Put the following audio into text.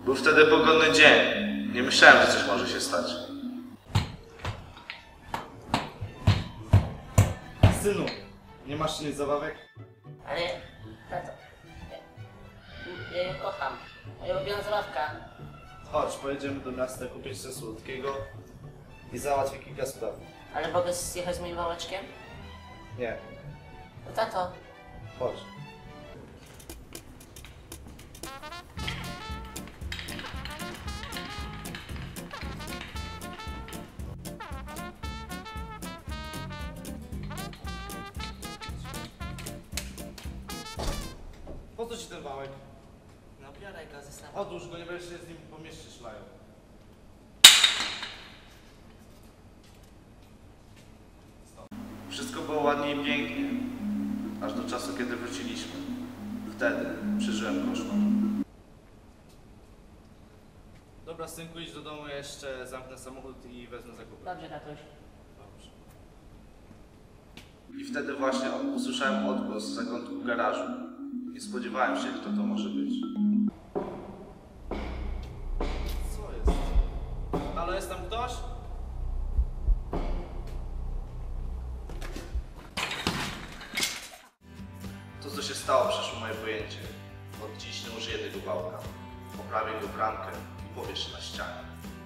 Był wtedy pogodny dzień. Nie myślałem, że coś może się stać. Synu, nie masz nic zabawek? Ale, tato, ja ją kocham. Moja ulubiona zabawka. Chodź, pojedziemy do miasta kupić coś słodkiego i załatwię kilka spraw. Ale mogę zjechać z moim wałeczkiem? Nie, No tato. chodź. Po co ci ten wałek? No biorę go ze sobą. Odłóż go, nie będziesz się z nim po mieście szlają. Wszystko było ładnie i pięknie, aż do czasu, kiedy wróciliśmy. Wtedy przeżyłem koszmar. Dobra, synku, idź do domu, jeszcze zamknę samochód i wezmę zakupy. Dobrze, tatuś. Dobrze. I wtedy właśnie usłyszałem odgłos z zakątku garażu. Nie spodziewałem się, kto to może być. Co jest? Halo, jest tam ktoś? To, co się stało, przeszło moje pojęcie. Od dziś nie użyję tego wałka. Poprawię go bramkę i powieszę na ścianie.